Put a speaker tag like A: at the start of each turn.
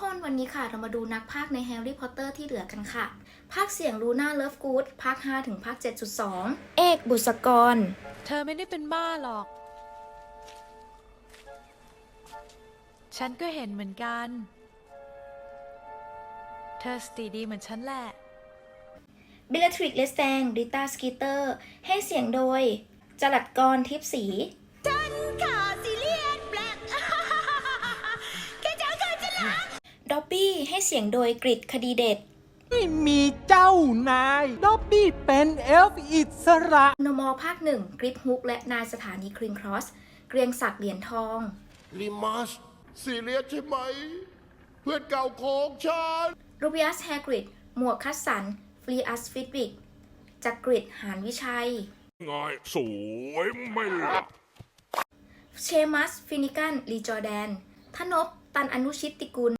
A: คนวันนี้ค่ะเรามาดูนักพากย์ในแฮร์รี่พอตเตอร์ที่เหลือกันค่ะพากย์เสียงลูน่าเลิฟกู๊ดภาค5ถึงภาค 7.2 เอกบุษกร
B: เธอไม่ได้เป็นบ้าหรอก ฉันก็เห็นเหมือนกัน เธอสติดีเหมือนฉันแหละ
A: บิลเลทริกเลสแตงริต้าสกีเตอร์ให้เสียงโดยจรัสกรทิพย์ศรีด็อบบี้ให้เสียงโดยกริดคดีเด็ด
C: ไม่มีเจ้านายด็อบบี้เป็นเอลฟ์อิสระ
A: โนมอภาค1กริปฮุกและนายสถานีคริงครอสเกรียงศักดิ์เหรียญทอง
D: ลิมัสซีเรียสใช่ไหมเพื่อนเก่าของฉัน
A: รูบิอัสแฮกริดหมวกคัสสันฟรีอัสฟิตวิกจักริดหานวิชัย
D: ง่ายสวยไม่หลับ
A: เชมัสฟินิกันลีจอร์แดนทนพตันอนุชิตติกุล